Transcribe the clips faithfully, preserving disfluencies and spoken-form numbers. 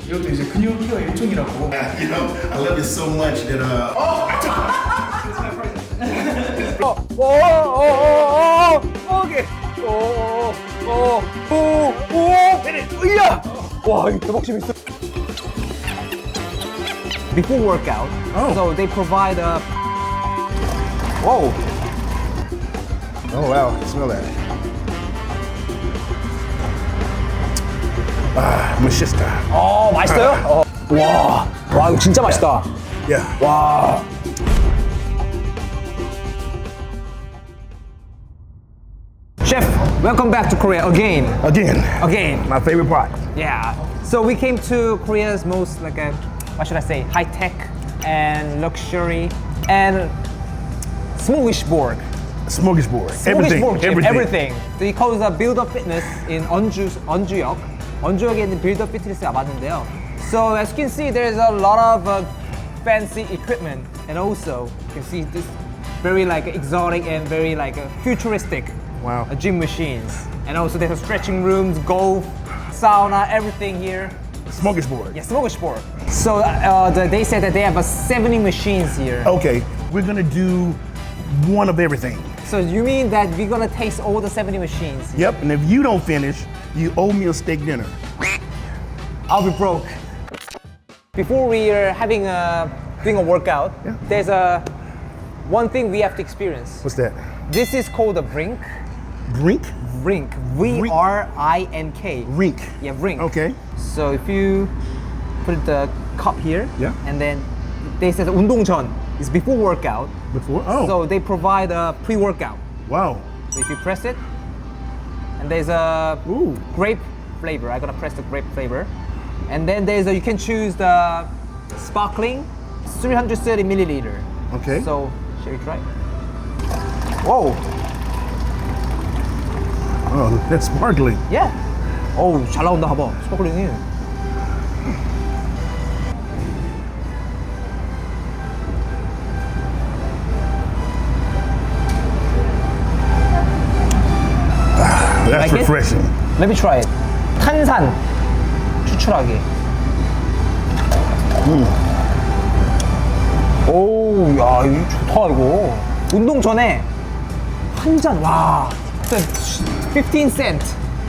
이것도 이제 근육 케어 일종이라고. You know, I love you so much that uh. Oh, I took. 어, 오, 오, 오, 오, 오케이. 오, 오, 오, 오, 페리, 으야! 와, 이거 대박 재밌어. Before workout, Oh. so they provide a. Whoa. Oh wow, smell that. Ah, 맛있다. 어, 맛있어요? 어. 와, 와, 이거 진짜 맛있다. Yeah. 와. Chef, welcome back to Korea again. Again, Again. my favorite part. Yeah. So we came to Korea's most like a, what should I say, high tech and luxury and smorgasbord. Smorgasbord. Everything. smorgasbord gym, Everything. everything. So he calls a Build Up Fitness in 언주 언주역. 언주역에 있는 Build Up Fitness가 맞는데요. So as you can see, there's a lot of uh, fancy equipment, and also you can see this very like exotic and very like uh, futuristic Wow. uh, gym machines. And also there's stretching rooms, golf, sauna, everything here. Smorgasbord. Yeah, smorgasbord. So uh, the, they said that they have uh, seventy machines here. Okay, we're gonna do one of everything. So you mean that we're gonna taste all the seventy machines? Yep, and if you don't finish, you owe me a steak dinner. I'll be broke. Before we are having a doing a workout, Yeah. there's a one thing we have to experience. What's that? This is called a rink. Rink? Rink. V R I N K. Rink. Yeah, rink. Okay. So if you put the cup here, Yeah. and then they said 운동 전 is before workout. Before? Oh. So they provide a pre-workout. Wow. So if you press it, and there's a Ooh. grape flavor. I'm gonna press the grape flavor, and then there's a, you can choose the sparkling, three hundred thirty milliliter. Okay. So shall we try? Whoa. Oh, that's sparkling. Yeah. 어우 잘 나온다 봐봐. 스파클링이. That's Like it? refreshing. Let me try it. 탄산 추출하기. 음. 오, 야, 이거 좋다 이거. 운동 전에 한 잔, 와, fifteen cent.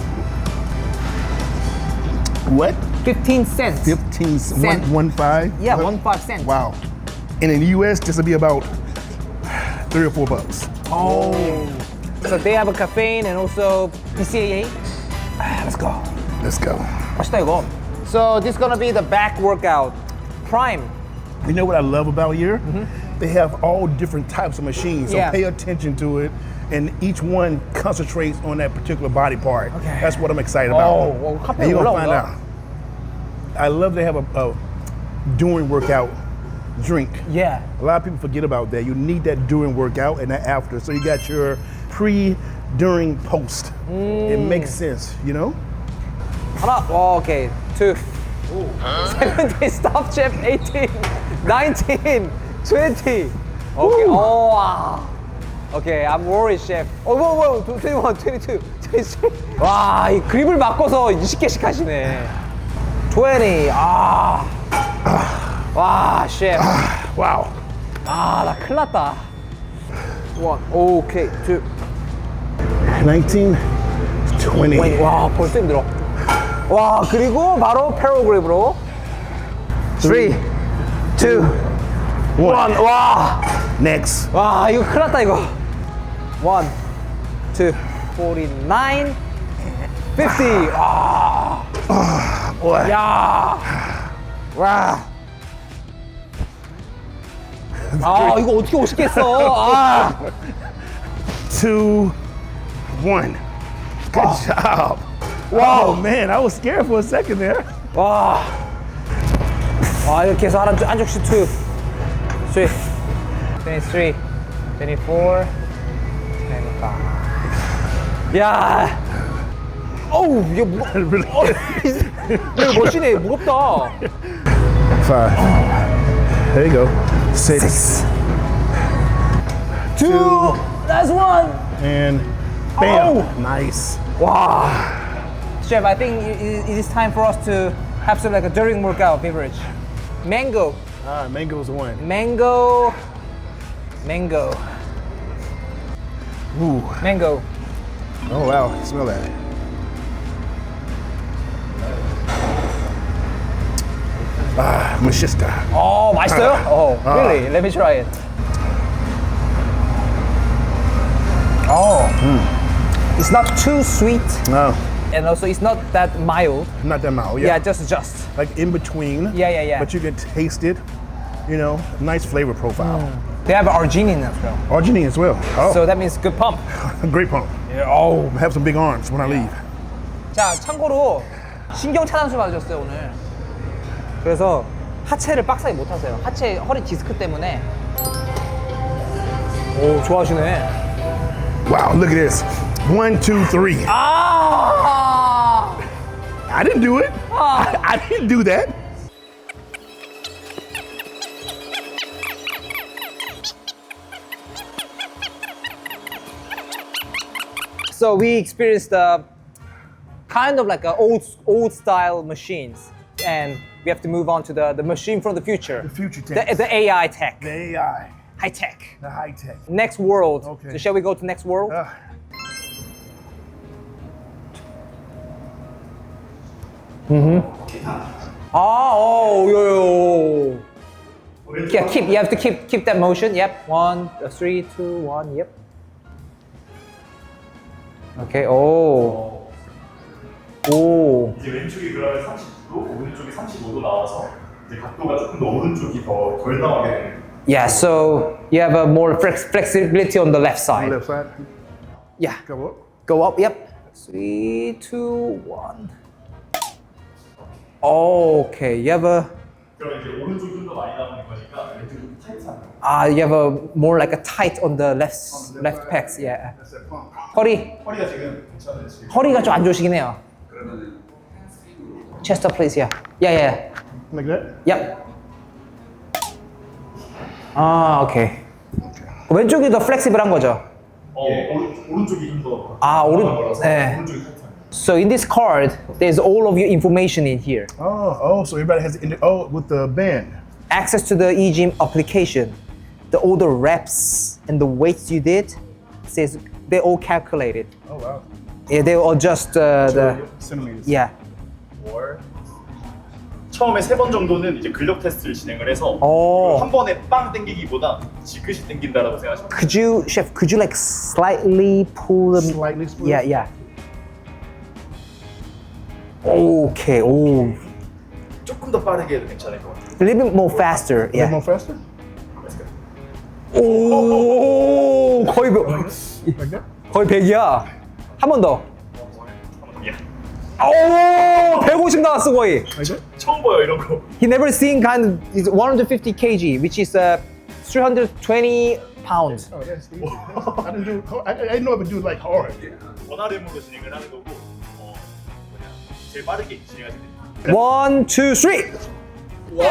What? fifteen cents. Fifteen Cent. one, one five? Yeah, one five cent. Wow. And in the U S, this would be about three or four bucks. Oh. So they have a caffeine and also B C A A. Ah, let's go. Let's go. 맛있다 이거. So this is gonna be the back workout. Prime. You know what I love about here? They have all different types of machines, so Yeah. pay attention to it, and each one concentrates on that particular body part. Okay. That's what I'm excited about. Oh, well, 카페 and you're gonna find 올라온다. out. I love to have a, a during workout drink. Yeah. A lot of people forget about that. You need that during workout and that after. So you got your pre, during, post. It makes sense, you know? 하나, 어, 오케이. Two. seventeen, stop chef. eighteen, nineteen, twenty. Okay. Oh, wow. Okay, I'm worried, chef. Oh, whoa, whoa, twenty-one, twenty-two, twenty-three. 와, 이 그립을 바꿔서 이십 개씩 하시네. twenty. 아. 와, chef. Wow. 아, 나 큰일 났다. One. Okay, two. nineteen, twenty. wait, 와, 벌써 힘들어. 와, 그리고 바로 패러그립으로. three, two, one. 와. Next. 와, 이거 큰일 났다, 이거. one, two, forty-nine, fifty. 와. Boy. 야. 와. 아, 이거 어떻게 오십 개 했어? 아. Two, one. Good job. Wow, man, I was scared for a second there. 와. 와, 이렇게 해서 한, 한 적씩 two, three, twenty-three, twenty-four, twenty-five. 야. 어우, 이게 무거. Really? 어, 이거 멋지네, 무겁다. Five. There you go. Six. Two. That's one. And bam. Oh. Nice. 와. Chef, I think it, it is time for us to have some like a during workout beverage. Mango, Ah, mango's the one. mango, mango, Ooh. mango. Oh wow, smell that. Ah, machista. Oh, 맛있어요? Oh, 아. really? Let me try it. Oh, it's not too sweet, No, and also it's not that mild. not that mild. Yeah, Yeah, just just. like in between. Yeah, yeah, yeah. But you can taste it. You know, nice flavor profile. They have arginine as well, Arginine as well. Oh, so that means good pump. great pump. Yeah. Oh. I have some big arms when I leave. 자, 참고로 신경 차단술 맞으셨어요 오늘. 그래서 하체를 빡세게 못 하세요. 하체 허리 디스크 때문에. 오, 좋아하시네. Wow, look at this. One, two, three. 아! I didn't do it. I, I didn't do that. So we experienced uh, kind of like a old old style machines, and we have to move on to the, the machine from the future. The future The, tech. the A I tech, The A I. high tech. The high tech. Next world. Okay. So shall we go to next world? Uh, Ah, oh, yo, yo. Yeah, keep. You have to keep keep that motion. Yep. One, uh, three, two, one. Yep. Okay. Oh. 오. 이제 왼쪽이 그러면 삼십 도, 오른쪽이 삼십오 도 나와서 이제 각도가 조금 더 오른쪽이 더 덜 나오게 되는 거예요. Yeah. So you have a more flex flexibility on the left side. left side. Yeah. Go up. Go up. Yep. Three, two, one. Okay. You have a. 그러면 이제 오른쪽이 좀 더 많이 나오는 거니까 왼쪽이 좀 타이트한 거. Ah, you have a more like a tight on the left left pecs. Yeah. That's that pump. 허리. 허리가 지금 괜찮아요 지금. 허리가 좀 안 좋으시긴 해요. Chest up, please. Yeah. Yeah, yeah. Like that? Yep. 아, 오케이. 왼쪽이 더 플렉시블한 거죠? 어, 오른, 오른쪽이 좀 더. 아, 오른- 거라서 네. 오른쪽이 타이트한 거. So in this card, there's all of your information in here. Oh, oh, so everybody has the, oh, with the band. Access to the eGym application, the all the reps and the weights you did, says they all calculated. Oh, wow. Yeah, they will adjust uh, the. Centimeters. Yeah. 월. 처음에 세 번 정도는 이제 근력 테스트를 진행을 해서 오. 한 번에 빵 당기기보다 지그시 당긴다라고 생각하시면 돼요. Could you, chef? Could you like slightly pull them? Slightly split? Yeah, yeah. Okay. Oh, 조금 더 빠르게 해도 괜찮을 것 같아요. a little bit more faster. A little Yeah. more faster? 오, 거의 백- Like that? 거의 백이야. 한 번 더. 예. 오, 백오십 나왔어 거의. Like that? 처음 봐요 이런 거. He never seen kind of is one hundred fifty kilograms, which is uh, three hundred twenty pounds. Oh, that's easy. I didn't do. I, I didn't know I would do it like hard. 원아렘으로 진행을 하는 거고 어, 뭐냐 제일 빠르게 진행하시면 됩니다. One, two, three. 와!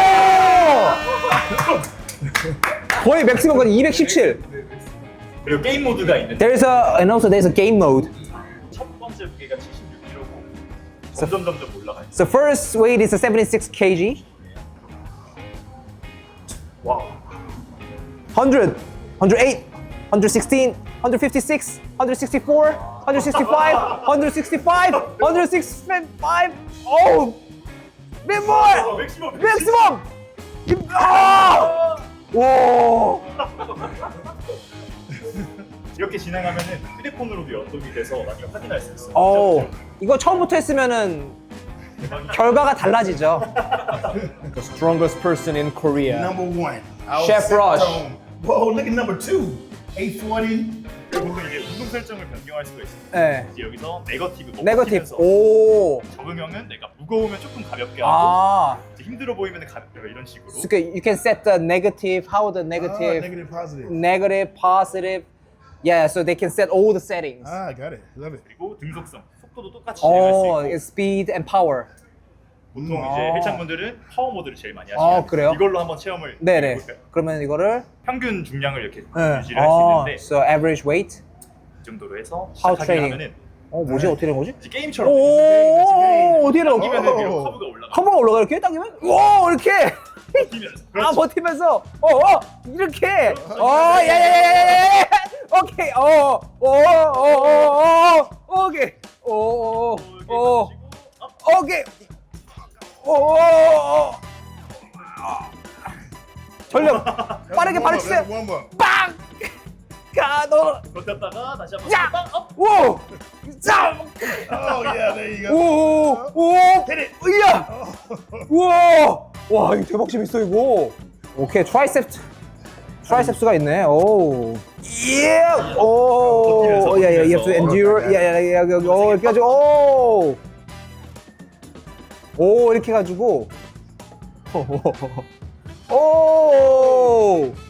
거의 맥시멈까지 이백십칠. 그리고 게임 모드가 있는데 There's a and also there's a game mode. 첫 번째 무게가 칠십육 킬로그램고 점점 점점 올라가요. So first weight is a seventy-six kilograms. 와우. one hundred, one hundred eight, one hundred sixteen, one hundred fifty-six, one hundred sixty-four, one hundred sixty-five, one hundred sixty-five, one hundred sixty-five. Oh, bit more. 맥시멈. Maximum. 아! 오. 이렇게 진행하면은 휴대폰으로도 연동이 돼서 나중에 확인할 수 있어요. 오. 이거 처음부터 했으면은 대박이다. 결과가 달라지죠. The strongest person in Korea. Number one. I'll Chef set Rush. tone. Whoa, look at number two. eight forty. 결국은 이제 운동 설정을 변경할 수가 있어요. 네. 이제 여기서 네거티브, 뭐 네거티브. 버티면서 오. 적응형은 내가 무거우면 조금 가볍게 하고 아. 이제 힘들어 보이면 가볍게 이런 식으로. So you can set the negative, how the Ah, negative, negative, positive. negative, positive. Yeah, so they can set all the settings. Ah, got it. Love it. 그리고 등속성, 속도도 똑같이 진행할 수 Oh, 있고 it's speed and power. 보통 아. 이제 헬창분들은 파워 모드를 제일 많이 아, 하시면 그래요? 이걸로 한번 체험을 네네. 해볼까요? 그러면 이거를 평균 중량을 이렇게 네. 유지를 할 수 아, 있는데 so average weight. 이 정도로 해서 How 시작하게 training. 하면은 어 뭐지 어떻게 된 거지? 이제 게임처럼. 오 어떻게 된 거지? 당기면 위로 커브가 올라가. 커버가 올라가 이렇게 당기면 오 이렇게 버티면서. 아 버티면서 어어 이렇게 어 야야야야야 오케이 어어어어어 오케이 어어어 오케이 어어 전력 빠르게 발을 치세요 One more. 빵 가노 버텼다가 다시 한번 야! 빵 업. 오! 자! Oh yeah, there you go. 오! 오! 으야! 우와! 와, 이거 대박 재밌어 이거. 오케이, 트라이셉스. 트라이셉스가 있네. 오. 예! 오! 버티면서, 야, 야, you have to 버티면서. endure. 야, 야, 야, 야, 오, 이렇게 해가지고 오! 오, 이렇게 해가지고 오!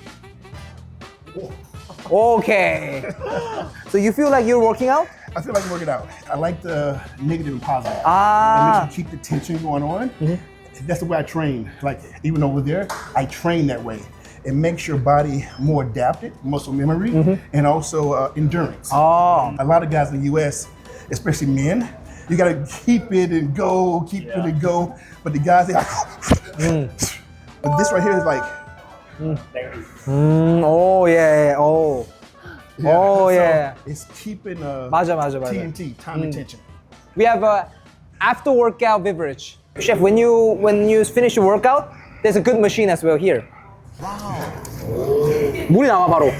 Okay. So you feel like you're working out? I feel like I'm working out. I like the negative and positive. It Ah. makes you keep the tension going on. That's the way I train. Like even over there, I train that way. It makes your body more adapted, muscle memory, and also uh, endurance. Oh. A lot of guys in the U S, especially men, you gotta keep it and go, keep it and go. But the guys, they like, but this right here is like, 음, 오, 예, 오. 오, so 예. it's keeping uh, 맞아, 맞아, 맞아. T N T, time and tension. We have a after workout beverage. Chef, when you when you finish your workout, there's a good machine as well here. Wow. 물이 나와 바로.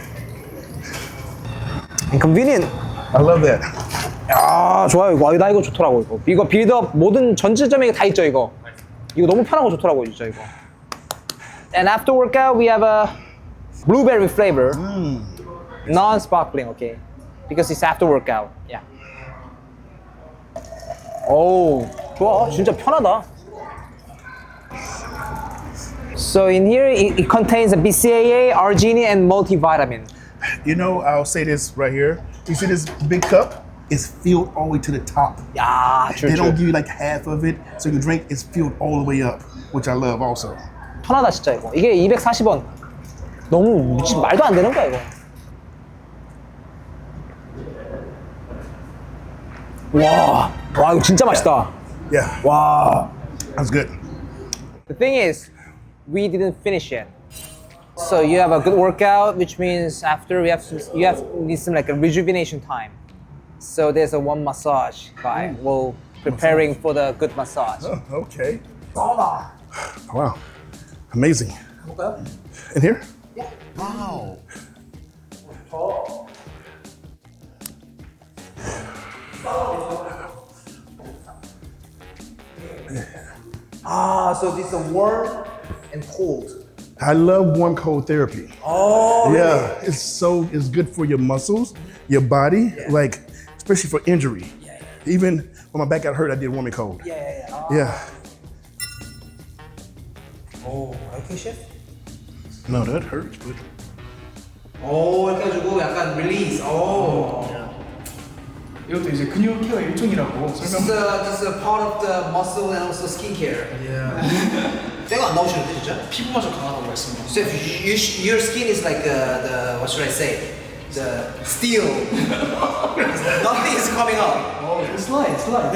And convenient. I love that. 아, 좋아요. 이거. 아, 나 이거 좋더라고 이거. 이거 빌드업 모든 전체점에 다 있죠 이거. 이거 너무 편하고 좋더라고 진짜 이거. And after workout, we have a blueberry flavor, non-sparkling, okay? Because it's after workout. Yeah. 오, 좋아. 진짜 편하다. So in here, it, it contains a B C A A, arginine, and multivitamin. You know, I'll say this right here. You see this big cup? It's filled all the way to the top. 야, They don't true, give you like half of it, so you can drink. It's filled all the way up, which I love also. 편하다 진짜 이거. 이게 이백사십 원. 너무 미친 말도 안 되는 거야 이거. 와, 와 이거 진짜 맛있다. Yeah, 와. that's good. The thing is, we didn't finish yet. So you have a good workout, which means after we have to, you have need some like a rejuvenation time. So there's a one massage guy. We'll preparing for the good massage. Oh, okay. 사우나. Wow, amazing. 볼까요? In here? 와우. Ah, so this is warm and cold. I love warm cold therapy. Oh, Yeah, it's so it's good for your muscles, your body, like especially for injury. yeah, Even when my back got hurt, I did warm and cold. yeah, yeah. yeah. Yeah. 오, 이렇게 셰프? No, that hurts, but 오, 이렇게 해가지고 약간 릴리즈. 오. 이것도 이제 근육 케어 일종이라고 This is, 설명. a, this is a part of the muscle and also skincare. 예. 때가 안 나오시는데 진짜? 피부마저 강하다고 말씀드렸어요. So if you, you, your skin is like uh, the what should I say? The steel. Nothing is coming out. 어, 슬라이드, 슬라이드.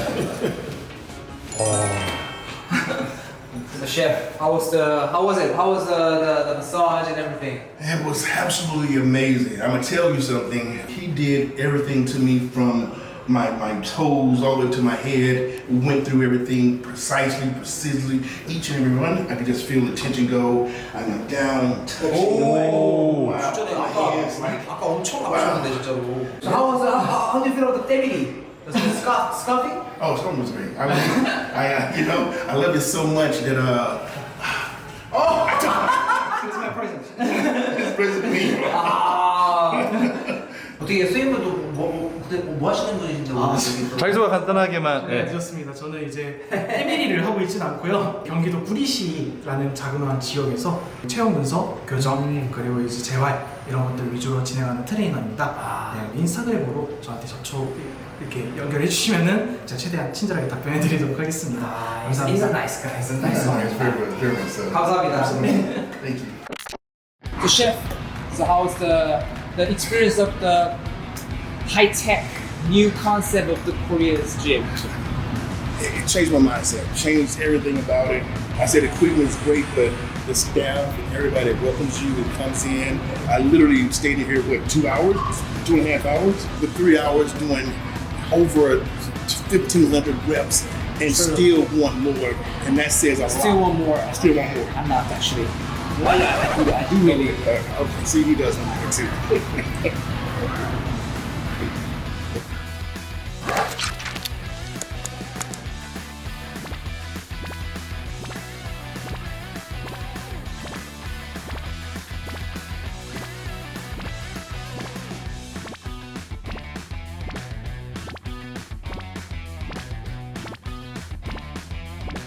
The chef, how was the how was it? How was the, the, the massage and everything? it was absolutely amazing. I'm gonna tell you something. He did everything to me from my, my toes all the way to my head. We went through everything precisely, precisely. Each and every one, I could just feel the tension go. I went down, touched 오, my, 진짜네. my 아까 hands. Like, 아까 엄청 아프셨는데 진짜로. So how was the, how, how do you feel about the 때리기? Was it scuff, scuffing? oh, Storm was great. I, was, I uh, you know, I love it so much that uh, oh, I took It's my present. his present me. 아. 어떻게 선생님도 뭐, 그때 뭐 하시는 분이신지 모르겠어요. 자기소개 간단하게만. 네, 네. 좋습니다. 저는 이제 에미리를 하고 있진 않고요. 경기도 구리시라는 자그마한 지역에서 체형 분석, 교정, 그리고 이제 재활 이런 것들 위주로 진행하는 트레이너입니다. 네, 인스타그램으로 저한테 접촉 이렇게 연결해 주시면은 제가 최대한 친절하게 답변해 드리도록 하겠습니다. He's a nice guy. He's a nice guy. Very much, very much so. 감사합니다. Thank you. So chef, so how's the the experience of the high tech new concept of the Korea's gym? It, it changed my mindset, changed everything about it. I said equipment is great, but the staff and everybody that welcomes you and comes in. I literally stayed in here, what, two hours? Two and a half hours? With three hours doing over fifteen hundred reps and Sure. still want more. And that says a Still lot. want more. Still want more. I'm not actually. I do, I do really. Uh, okay, see, he does want more too.